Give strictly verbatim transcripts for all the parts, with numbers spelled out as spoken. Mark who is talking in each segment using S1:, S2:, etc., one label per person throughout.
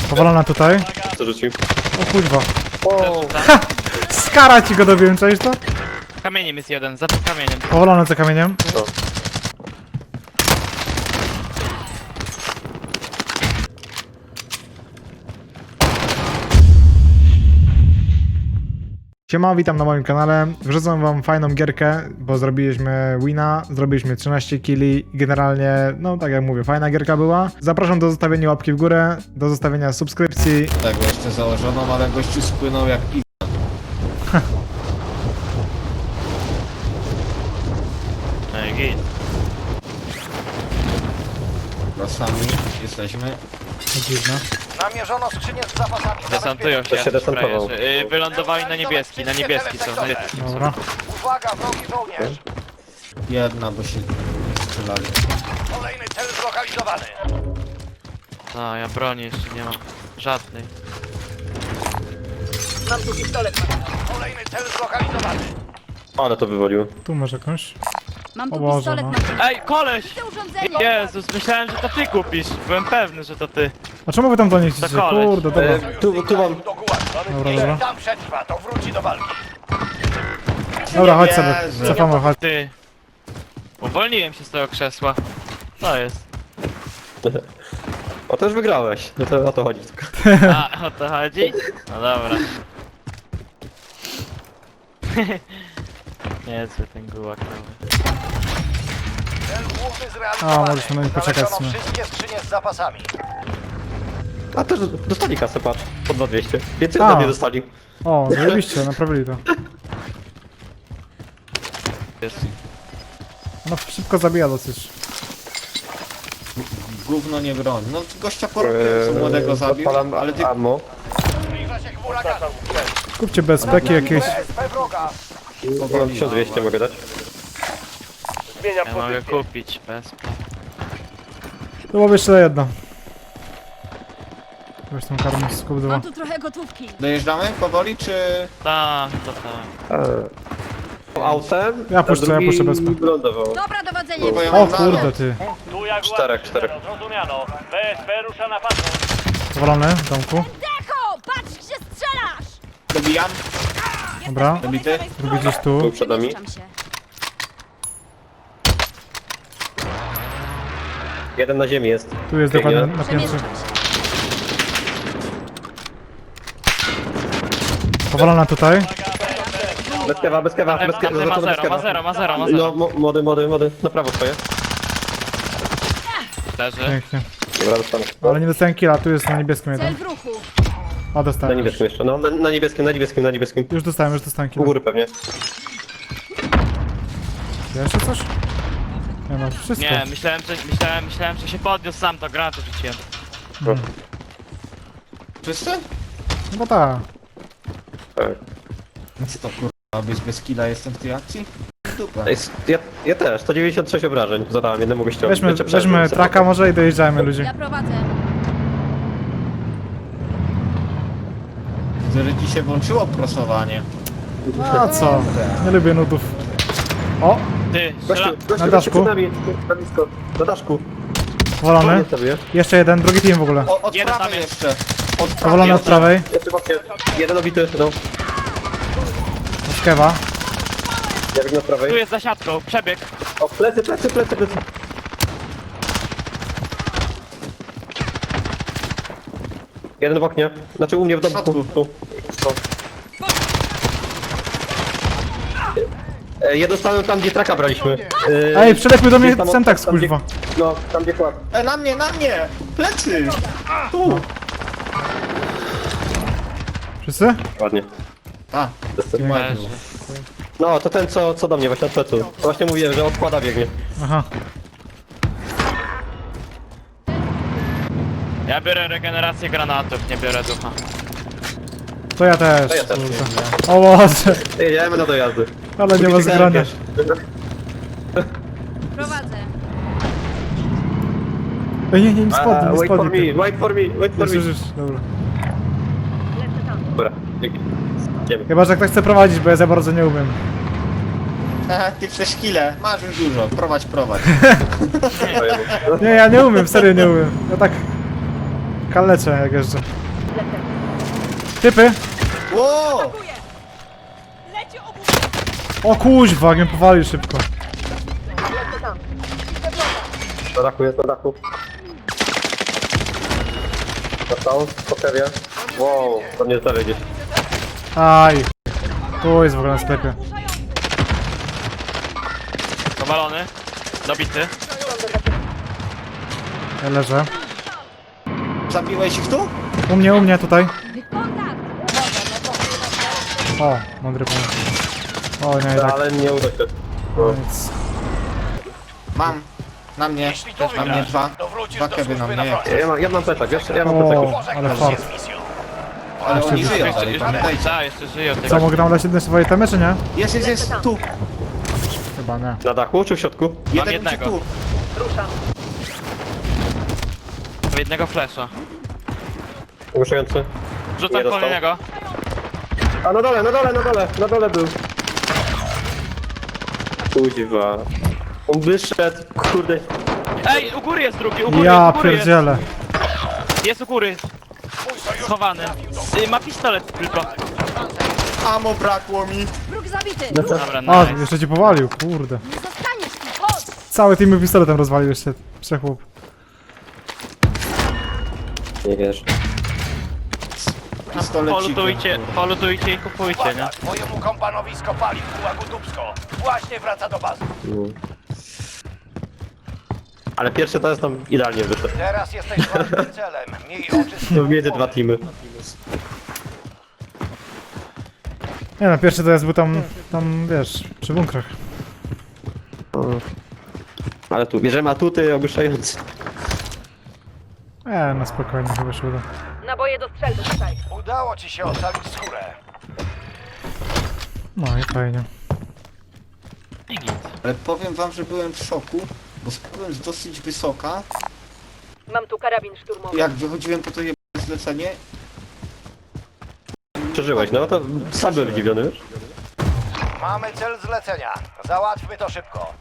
S1: Powalona tutaj.
S2: Co rzucił?
S1: O kurwa.
S2: O,
S1: Ha! Skara ci go dobiłem, czaisz to?
S3: Kamieniem jest jeden, za tym kamieniem.
S1: Powalony za kamieniem.
S2: no.
S1: Siema, witam na moim kanale. Wrzucam wam fajną gierkę, bo zrobiliśmy wina, zrobiliśmy trzynaście killi i generalnie, no tak jak mówię, fajna gierka była. Zapraszam do zostawienia łapki w górę, do zostawienia subskrypcji.
S4: Tego jeszcze założoną, ale gościu spłynął jak i...
S3: No i git.
S4: Sami jesteśmy.
S1: Dziwne.
S5: Namierzono skrzynię z zapasami.
S3: Desantują się.
S2: To się desantował.
S3: frajerzy. Y, Wylądowali na niebieski, na niebieski są. Na...
S1: Dobra.
S5: Uwaga, wrogi żołnierz.
S4: Jedna, bo się nie strzelali.
S5: Kolejny cel zlokalizowany.
S3: A, ja broni jeszcze nie mam. Żadnej.
S5: Mam tu pistolet. Kolejny cel zlokalizowany.
S2: Ale to wywaliło.
S1: Tu może jakąś.
S6: Mam
S1: O
S6: tu
S1: Boże,
S6: pistolet
S1: no.
S6: na
S3: Ej, koleś!
S6: to urządzenie!
S3: Jezus, myślałem, że to ty kupisz. Byłem pewny, że to ty.
S1: A czemu wy tam do nich idziecie?
S3: To koleś.
S1: Kurde, dobra.
S2: E, tu, tu mam.
S5: Do gułagu.
S1: Dobra,
S5: Jeśli
S1: dobra.
S5: tam przetrwa, to wróci do walki.
S1: Dobra, chodź sobie.
S4: wierzę.
S1: Cofamy, chodź.
S3: Ty. Uwolniłem się z tego krzesła. Co jest?
S2: O, też wygrałeś. No to o to chodzi tylko.
S3: A, o to chodzi? No dobra. Niezły ten gułak nowy.
S5: Cel główny zrealizowany.
S1: A, możesz na nich poczekać w
S5: Znaleziono
S1: sumie.
S5: wszystkie skrzynie z zapasami.
S2: A też dostali kasę, patrz. Po dwa dwieście. Więcej
S1: A.
S2: ode mnie dostali.
S1: O, zajebiście, naprawili to.
S3: Jest.
S1: No szybko zabija dosyć.
S4: Gówno nie broń. No gościa porównując, co młodego zabił,
S2: Odpalam
S4: ale ty...
S2: ammo.
S5: Zbliża się chmura gazu.
S1: Kupcie bezpeki jakieś.
S5: B S P wroga.
S2: Mam tysiąc dwieście mogę dać.
S5: Zmieniam
S3: Ja mogę
S5: pozycję.
S3: kupić bez.
S1: To byłoby jeszcze jedno. Weź tą karmę z kup dwa.
S6: Mam tu trochę gotówki.
S4: Dojeżdżamy powoli, czy...
S3: Tak, to tak.
S2: E, Autem.
S1: Ja puszczę,
S2: a drugi
S1: ja puszczę bez-
S2: wylądował.
S6: Dobra, dowodzenie!
S4: Bo ja
S1: O
S4: mam
S1: kurde
S4: nalot.
S1: ty.
S5: Tu jak
S2: Czterech, czterech.
S5: Zrozumiano. B S P rusza na patrol.
S1: Powalony w domku.
S6: Decho! Patrz, gdzie strzelasz!
S4: Dobijam.
S1: Dobra.
S4: Dobity.
S1: Drugi gdzieś tu.
S2: Był przed nami.
S6: Przemieszczam się.
S2: Jeden na ziemi jest.
S1: Tu jest
S2: Biegnie.
S1: dokładnie na piętrze.
S6: Przemieszczam się.
S1: Powalona tutaj.
S2: Bez kewa, bez kewa, bez kewa.
S3: Ma
S2: Zaczynam bez
S3: zero, ma
S2: kewa.
S3: zero, ma zero, ma
S2: No,
S3: zero.
S2: mo- młody, młody, młody. Na prawo swoje.
S3: Leży.
S1: Pięknie.
S2: Dobra, dostanę.
S1: Ale nie dostałem killa, tu jest na niebieskim
S6: Cel
S1: jeden.
S6: w ruchu.
S1: A
S2: Na
S1: dostałem.
S2: niebieskim jeszcze. No, na, na niebieskim, na niebieskim, na niebieskim.
S1: Już dostałem, już dostałem
S2: U
S1: killa.
S2: góry pewnie.
S1: Jeszcze coś? Nie no, wszystko.
S3: Nie, myślałem, że, myślałem, myślałem, że się podniósł sam, to granaty rzuciłem.
S4: Wszyscy?
S1: No bo tak.
S2: Tak.
S4: Co to kurwa, być bez killa jestem w tej akcji? Dupa.
S2: Ej, Ja, ja też, sto dziewięćdziesiąt sześć obrażeń zadałem jednemu gościowi.
S1: Weźmy,
S2: Wiecie,
S1: weźmy
S2: przeżył.
S1: traka może i dojeżdżajmy ludzi.
S6: Ja prowadzę.
S4: Że ci się włączyło prosowanie.
S1: A co? Nie lubię nudów. O!
S3: Ty,
S2: Gościu,
S3: strzela...
S2: gościu,
S1: Na
S2: gościu
S1: daszku.
S2: przed nami, na blisko, na daszku.
S1: Powalony.
S2: Nie sobie.
S1: Jeszcze jeden, drugi team w ogóle.
S4: O, od
S3: Jeden tam
S4: prawej
S3: jest.
S4: jeszcze. Od
S1: Powalony
S4: prawej.
S1: od prawej.
S2: Jeszcze właśnie, jeden obity, no.
S1: Od kewa.
S2: Ja biegnę od
S3: Tu
S2: prawej.
S3: jest za siatką, przebieg.
S2: O, plecy, plecy, plecy, plecy. Jeden w oknie, znaczy u mnie w domku. Tu. Tu. E, Ja dostałem tam, gdzie traka braliśmy. E,
S1: Ej, przelepmy do mnie
S2: tam-
S1: Semtax,
S2: tam, gdzie-
S1: kurwa.
S2: No, tam gdzie kład.
S4: E, na mnie, na mnie! Plecy! Tu!
S1: Wszyscy?
S2: Ładnie.
S4: A,
S3: Leży.
S2: No, to ten, co, co do mnie właśnie od plecu. To właśnie mówiłem, że odkłada biegnie.
S1: Aha.
S3: Ja biorę regenerację granatów, nie biorę ducha.
S1: To ja też.
S2: To ja też.
S1: Kurde. O Boże.
S2: Jedziemy na dojazdy.
S1: Ale nie ma zgrania.
S6: Prowadzę.
S1: Ej, nie, nie, nie spodnie,
S2: Ah,
S1: nie
S2: wait for
S1: spodnie.
S2: me, wait for me, wait for
S1: Już,
S2: me.
S1: już, już, dobra.
S2: Dobra, dzięki. Idziemy.
S1: Chyba, że ktoś chce prowadzić, bo ja za bardzo nie umiem.
S4: Haha, ty przez chwilę, masz już dużo, prowadź, prowadź.
S1: Nie, ja nie umiem, serio nie umiem. Ja tak... Kaleczę jak jeżdżę. Typy!
S4: Ło!
S6: Leci obu...
S1: O kuźwa, jak mnie powalił szybko.
S2: Na dachu jest, na dachu. Dostał, po kewie. Wow, to nie zdalej gdzieś.
S1: Aj. Tu jest w ogóle na sklepie.
S3: Powalony. Dobity.
S1: Ja leżę.
S4: Zabiłeś ich tu?
S1: U mnie, u mnie, tutaj.
S6: Kontakt!
S1: O, mądry pomysł. O, nie, tak.
S2: Ale nie uda się. No.
S1: Nic.
S4: Mam. Na mnie.
S5: Jeśli to
S4: Na mnie
S5: wygrasz,
S4: dwa.
S5: to wrócisz
S4: Dwa
S5: do
S4: kewy na
S5: służby
S4: mnie.
S5: na
S4: Jak...
S5: froncie.
S2: Ja mam, ja mam plecak, wiesz? Ja mam
S1: O,
S2: plecak.
S1: ale
S5: Pożegnasz się
S1: fart.
S5: z misją.
S4: Ale oni
S1: Jeszcze-
S4: żyją
S3: Jeszcze,
S4: dalej,
S3: jeszcze,
S4: pamiętajcie.
S3: tak, jeszcze żyją
S1: Co,
S3: tego.
S1: mogę tam dać jedne swoje temy, czy nie?
S4: Jest, jest, jest, tu.
S1: Chyba nie.
S2: Na dachu czy w środku?
S4: Jeden
S3: jednego.
S4: tu.
S3: W jednego flesza.
S2: Ogłuszający.
S3: Rzucam
S2: Nie dostał.
S3: kolejnego.
S2: A na dole, na dole, na dole, na dole był. Kuźwa. On wyszedł, kurde.
S3: Ej, u góry jest drugi, u góry,
S1: Ja
S3: u góry jest.
S1: pierdzielę.
S3: Jest u góry. Schowany. Y, Ma pistolet tylko.
S4: Amo brakło mi.
S6: Wróg zabity!
S3: Dobra,
S1: A,
S3: nice.
S1: jeszcze cię powalił, kurde.
S6: Nie zostaniesz tu! Chodź!
S1: Cały team pistoletem rozwalił jeszcze. Przechłop.
S2: Nie wiesz.
S4: Pistolecik.
S3: Polutujcie, polutujcie i kupujcie, nie?
S5: Uwaga, twojemu kompanowi skopali w Gułagu Dubsko. Właśnie wraca do bazy.
S2: No. Ale pierwszy to jest tam idealnie wyszedł.
S5: Teraz jesteś ważnym celem. Miej oczy z
S2: To
S5: tyłu
S2: między
S5: głowy.
S2: dwa teamy.
S1: Nie no, pierwszy to jest był tam, tam wiesz, przy bunkrach.
S2: Ale tu, bierzemy atuty ogłuszające.
S1: E, no spokojnie, chyba się uda.
S6: Naboje do strzelby tutaj.
S5: Udało ci się ocalić skórę.
S1: No i fajnie.
S3: I git.
S4: Ale powiem wam, że byłem w szoku, bo byłem z dosyć wysoka.
S6: Mam tu karabin szturmowy.
S4: Jak wychodziłem po to je zlecenie,
S2: Przeżyłeś, no to sam byłem zdziwiony, wiesz?
S5: Mamy cel zlecenia. Załatwmy to szybko.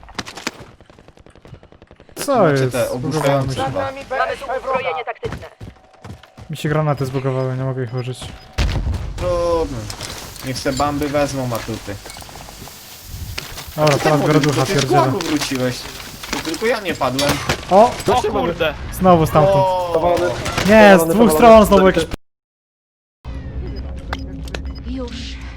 S1: Co
S4: Macie
S1: jest?
S4: te
S1: Zbugowało mi
S4: ogłuszające.
S1: się.
S5: Nad nami B S P wroga.
S6: taktyczne.
S1: Mi się granaty zbugowały, nie mogę ich użyć.
S4: trudno. Niech se bamby wezmą atuty.
S1: Dobra, teraz biorę ducha,
S4: Ty z
S1: pierdzielę.
S4: głogu wróciłeś. To tylko ja nie padłem.
S1: O!
S3: O kurde.
S1: Znowu stamtąd.
S4: O,
S1: Nie, z
S2: powalony,
S1: dwóch
S2: powalony.
S1: stron znowu jakieś...
S6: Już.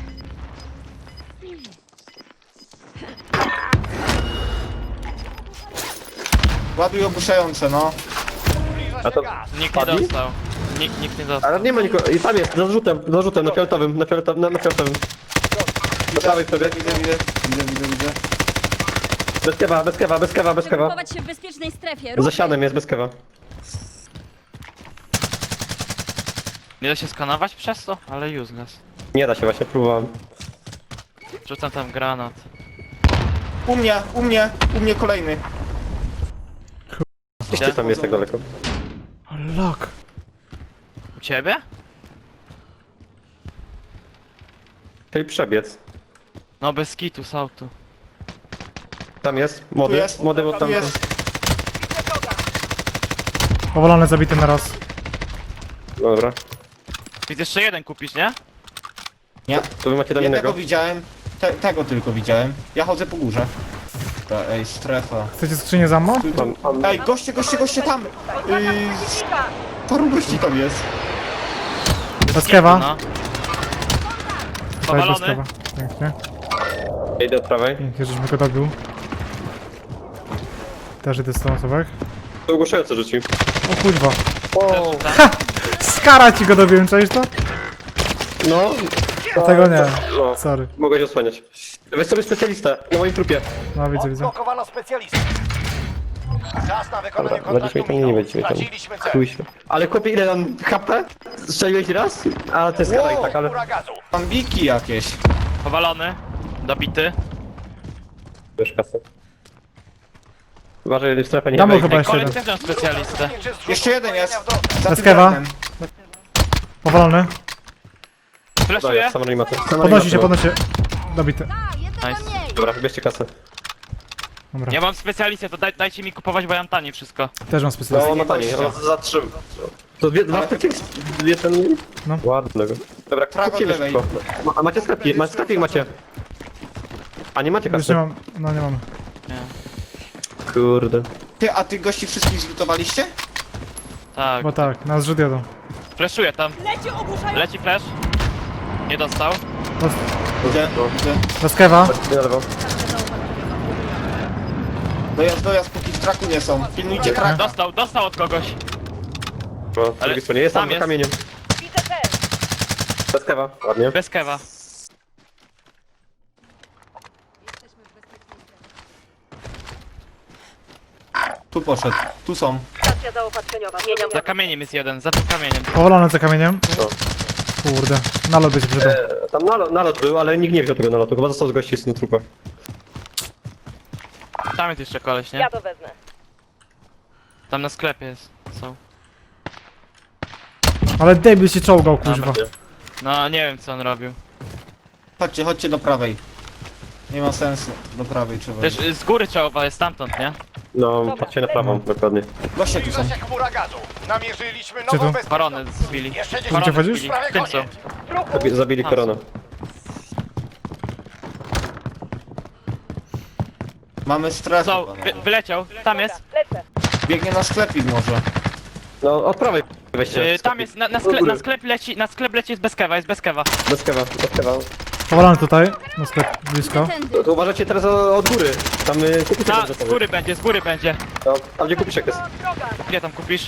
S4: ładuj ogłuszające, no.
S5: Zbliża
S2: A
S5: się
S2: to-
S5: gaz.
S3: Nikt nie
S2: Padli?
S3: dostał. Nikt, nikt nie dostał.
S2: Ale nie ma nikogo. I tam jest, za rzutem, za rzutem, na fioletowym, na fioletowym, na, na fioletowym. Do prawej sobie.
S4: Widzę, widzę, widzę, widzę, widzę.
S2: Bez kewa, bez kewa, bez kewa, bez kewa.
S6: Chować się w bezpiecznej strefie.
S2: Za sianem jest bez kewa.
S3: Nie da się skanować przez to? Ale useless.
S2: Nie da się, właśnie próbowałem.
S3: Rzucam tam granat.
S4: U mnie, u mnie, u mnie kolejny.
S2: Gdzieś tam jest tak daleko.
S1: Lok.
S3: U ciebie?
S2: Czyli przebiec.
S3: No bez kitu, z autu.
S2: Tam jest, młody,
S4: Tu jest,
S2: młody, bo
S4: tu
S2: tam
S4: jest.
S1: Powalony, zabity na raz.
S2: Dobra.
S3: Ty jeszcze jeden kupisz, nie?
S4: Nie,
S2: To wy macie tam
S4: jednego
S2: innego.
S4: widziałem. Te, tego tylko widziałem. Ja chodzę po górze. Ta, ej, strefa.
S1: Chcecie skrzynię z ammo?
S4: Tu, tu.
S2: Mam, mam,
S4: Ej, goście, goście, goście tam! Yy, paru gości tam jest.
S1: Bez kewa.
S3: No.
S1: Cześć, bez
S3: Powalony.
S1: kewa. Pięknie.
S2: idę od prawej.
S1: Pięknie, żeśmy go dobił. Też idę z tą osobą.
S2: Tu ogłuszający rzucił.
S1: O kurwa.
S2: O,
S3: Rzucam.
S1: Skara ci go dobiłem, czaisz to?
S2: no.
S1: Tego nie.
S2: No,
S1: Sorry.
S2: mogę się osłaniać. Weź sobie specjalistę, na moim trupie.
S1: No widzę, widzę.
S5: Odblokowano specjalistę. Czas na wykonanie
S2: Dobra, będziesz
S5: kontraktu
S2: mieć tam, nie
S5: minął.
S2: będziecie mieć tam.
S5: Straciliśmy cel.
S2: Chuj się. Ale kopię ile tam H P? Strzeliłeś raz? A to jest
S4: Wow.
S2: wow. tak, ale...
S5: Góra gazu.
S4: Bambiki jakieś.
S3: Powalony. Dobity.
S2: Wiesz kasę. Uważaj, że strefę nie
S1: Tam był
S2: wejdzie.
S1: chyba jeszcze
S3: Kolejny
S1: jeden.
S3: też mam specjalistę.
S4: Jeszcze jeden jest. Za
S1: Bez
S4: tym
S1: kewa.
S4: drewnem.
S1: Powalony.
S3: Flashuję.
S2: Daję, sam animator.
S1: Podnosi się, podnosi się. Dobity.
S6: A, jednego
S3: Nice.
S6: mniej.
S2: Dobra, wybierzcie kasę.
S1: Dobra.
S3: Ja mam specjalistę, to daj, dajcie mi kupować, bo ja mam tanie wszystko.
S1: Też mam
S2: No,
S1: specjalistę.
S2: no taniej, no, za trzy. To dwie, dwa takie, dwie ten...
S1: No.
S2: Ładnego. Dobra,
S4: Prawo
S2: kupimy
S4: lewej.
S2: szybko. Ma, a macie sklepik, macie sklepik macie. A nie macie
S1: Już
S2: kasy?
S1: nie mam, no nie mam.
S2: Kurde.
S4: Ty, a tych gości wszystkich zlutowaliście?
S3: Tak.
S1: Bo tak, na zrzut jadą.
S3: Flashuję tam. Leci flash. Nie dostał.
S4: Gdzie? Gdzie?
S1: Bez kewa.
S2: Chodźcie na lewo.
S4: Dojazd, dojazd, póki w traku nie są. Pilnujcie traka.
S3: Dostał, dostał od kogoś.
S2: No, po drugiej stronie. Jest tam,
S3: tam
S2: za
S3: jest.
S2: kamieniem.
S6: Widzę cel.
S2: Bez kewa. Ładnie.
S3: Bez kewa.
S4: Tu poszedł, tu są.
S6: Stacja zaopatrzeniowa. Zmieniam
S3: Za kamieniem jest jeden, za tym kamieniem.
S1: Powolony za kamieniem.
S2: No.
S1: Kurde, nalot będzie przydał.
S2: E, Tam nalot, nalot był, ale nikt nie wziął tego nalotu. Chyba został z gości z tym trupem.
S3: Tam jest jeszcze koleś, nie?
S6: Ja to wezmę.
S3: Tam na sklepie jest. Są.
S1: Ale debil się czołgał, kuźwa.
S3: No nie wiem co on robił.
S4: Chodźcie, chodźcie do prawej. Nie ma sensu. Do prawej trzeba.
S3: Też y, z góry trzeba jest stamtąd, nie?
S2: No, patrzcie na prawą, dokładnie.
S4: Goście tu są.
S5: Zbliża się chmura gazu. Namierzyliśmy
S1: Czy
S5: nową
S1: tu?
S5: bezpieczną...
S3: Baronę zbili.
S5: Jeszcze dziesięć
S3: Baronę
S1: wchodzisz?
S3: zbili.
S5: prawie
S3: W tym są.
S5: koniec.
S2: Zabi zabili
S3: Tam
S2: korona.
S4: Mamy strefę.
S3: Są,
S4: panowie.
S3: wy, wyleciał. Tam jest.
S6: Lecę.
S4: Biegnie na sklepik może.
S2: No, od prawej weźcie.
S3: Y, tam jest, na, na,
S2: Do
S3: sklep,
S2: góry.
S3: na sklep leci, na sklep leci jest bez kewa, jest bez kewa.
S2: Bez kewa, bez kewa.
S1: Powolony tutaj, na sklep blisko.
S6: Tędy.
S2: To, to uważajcie teraz o- od góry. Tam y, kupiszek
S3: Ta,
S2: będzie
S3: z góry będzie, z góry będzie.
S2: No, tam gdzie kupiszek jest.
S6: Droga.
S3: Gdzie tam kupisz?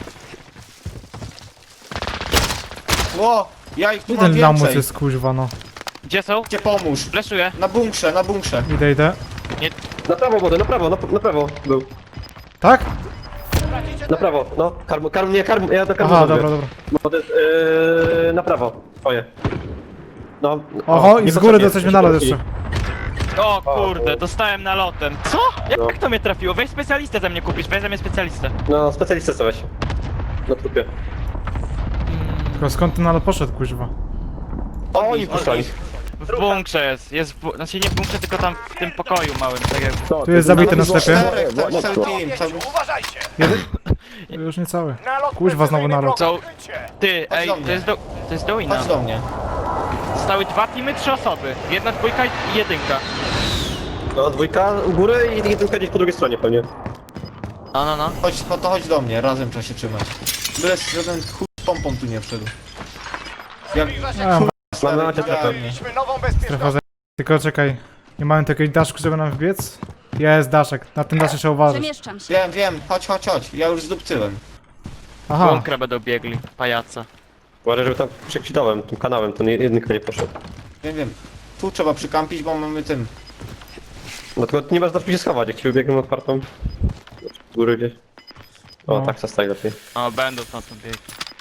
S4: Ło! Ja ich tu mam
S1: Jeden lamus
S4: więcej.
S1: jest, kuźwa, no.
S3: Gdzie są?
S4: Cię pomóż.
S3: Flashuję.
S4: Na bunkrze, na bunkrze.
S1: Idę, idę.
S2: Na prawo młody, na prawo, na, na prawo był.
S1: Tak?
S2: Na prawo, no. Karm, karm, nie, karm, ja do karmu
S1: Aha,
S2: zrobię.
S1: dobra, dobra.
S2: Młody, yy, na prawo, twoje. No.
S1: Oho,
S2: o,
S1: i
S2: nie
S1: z góry
S2: potrzebnie,
S1: dostaliśmy
S2: się
S1: nalot
S2: podnosili.
S3: O kurde, dostałem nalotem. Co? Jak
S2: No.
S3: to mnie trafiło? Weź specjalistę ze mnie kupisz, weź ze mnie specjalistę.
S2: No, specjalistę co weź. Na trupie.
S1: Tylko skąd ten nalot poszedł, kuźwa?
S2: O, oni puszczali.
S3: W bunkrze jest, jest w bu... znaczy nie w bunkrze, tylko tam w tym pokoju małym, tak jak...
S2: No,
S1: Tu jest zabity na
S2: nalot
S1: sklepie.
S2: było-
S4: Czterech,
S2: było-
S4: cały, cały
S2: było-
S4: team. Cały...
S5: Uważajcie.
S1: Jeden? Już nie cały.
S5: Nalot
S1: Kuźwa, znowu
S5: precyzyjny
S1: nalot.
S5: wroga.
S3: Co?
S5: Krycie.
S3: Ty,
S4: Chodź
S3: ej,
S4: do
S3: to
S4: mnie.
S3: jest do... to jest do wina.
S4: Chodź do mnie.
S3: Zostały dwa teamy, trzy osoby. Jedna dwójka i jedynka.
S2: No, dwójka u góry i jedynka gdzieś po drugiej stronie pewnie.
S3: No, no, no.
S4: Chodź, no to chodź do mnie, razem trzeba się trzymać. Byle żaden chuj z pompą tu nie wszedł. Jak...
S5: Zbliża się
S1: A,
S2: Mamy macie strefę.
S5: Namierzyliśmy nową bezpieczną...
S1: strefa za... Tylko czekaj. Nie mamy takiej daszku, żeby nam wbiec? Jest daszek. Na tym daszek trzeba uważać.
S6: Przemieszczam się.
S4: Wiem, wiem, chodź, chodź, chodź. Ja już zdupcyłem.
S1: Aha.
S3: Bunkra będą biegli, pajaca.
S2: Uważaj, żeby tam przekwitałem tym kanałem, ten jedynka nie poszedł.
S4: Wiem, wiem. Tu trzeba przykampić, bo mamy tym.
S2: No tylko nie masz za się schować, jak ci wybiegną otwartą. Z góry gdzieś. O,
S1: No.
S2: tak zostaje lepiej.
S3: O, będą tam tam biegli.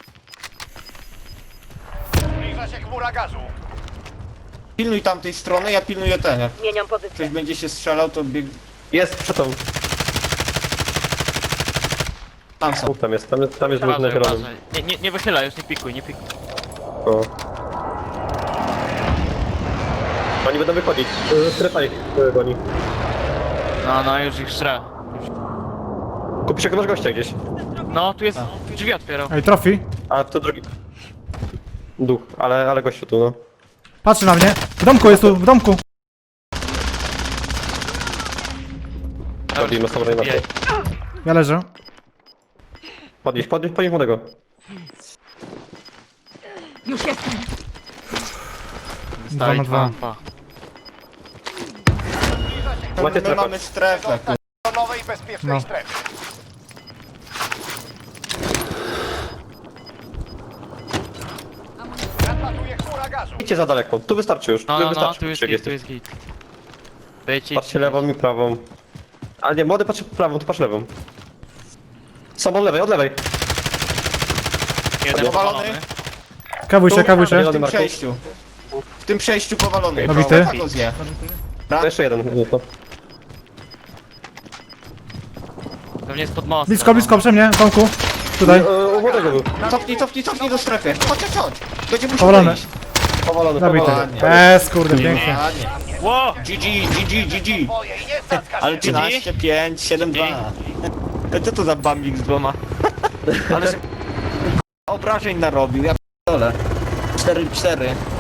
S5: Zbliża się chmura gazu.
S4: Pilnuj tamtej strony, ja pilnuję ten. Jak
S6: Zmieniam
S4: ktoś
S6: pozycję.
S4: będzie się strzelał, to bieg...
S2: Jest, przed tą.
S4: Tam są.
S2: Dwóch tam jest, tam jest, tam jest dwóch na
S3: Uważaj,
S2: zielonym.
S3: uważaj. Nie, nie, nie wychylaj już, nie pikuj, nie pikuj.
S2: O. Oni będą wychodzić. Y, Strefa ich y, goni.
S3: No, no, już ich szra.
S2: Kupisz jak masz gościa gdzieś.
S3: No, tu jest, drzwi otwierał.
S1: Ej, trofi.
S2: A to drugi. Duch, ale, ale gościu tu, no.
S1: Patrzy na mnie. W domku jest tu, w domku.
S2: Podnieś na samolot.
S3: Jej.
S1: Ja leżę.
S2: Podnieś, podnieś, podnieś młodego.
S6: Już jestem.
S1: Dwa na dwa.
S3: Pa.
S2: Macie
S4: My
S2: strefę.
S4: mamy strefę. kur-
S5: Do nowej bezpiecznej
S1: No.
S5: strefy. Nadlatuje chmura gazu.
S2: Idźcie za daleko, tu wystarczy już.
S3: No,
S2: tu
S3: no, no,
S2: wystarczy,
S3: tu jest
S2: jak
S3: git, tu
S2: jesteś.
S3: jest git. Wyjdź,
S2: Patrzcie lewą i prawą. A nie, młody patrzy prawą, to patrz lewą. Są od lewej, od lewej.
S3: Jeden
S4: Powalony.
S3: powalony.
S1: Kawuj się, kawuj się.
S4: W tym przejściu. W tym przejściu powalony.
S1: Nabity.
S4: Tak go zje.
S2: To jeszcze jeden. No to.
S3: Pewnie jest pod mostem.
S1: Blisko, blisko, przy mnie, w domku. Tutaj.
S2: E, U młodego był.
S4: Cofnij, cofnij, cofnij do strefy. Chodź, chodź, chodź. Będzie musiał
S1: Powalony.
S4: wyjść.
S2: Powalony,
S1: Zabity.
S2: powalony.
S1: Eee, kurde, pięknie.
S4: Ładnie.
S3: Ło!
S4: G G, G G, G G.
S5: Moje i nie cacka
S4: Ale
S5: się.
S4: trzynaście, pięć, siedem, dwa. Co to za bambik z dwoma? Ale obrażeń narobił, ja p***dolę. cztery cztery.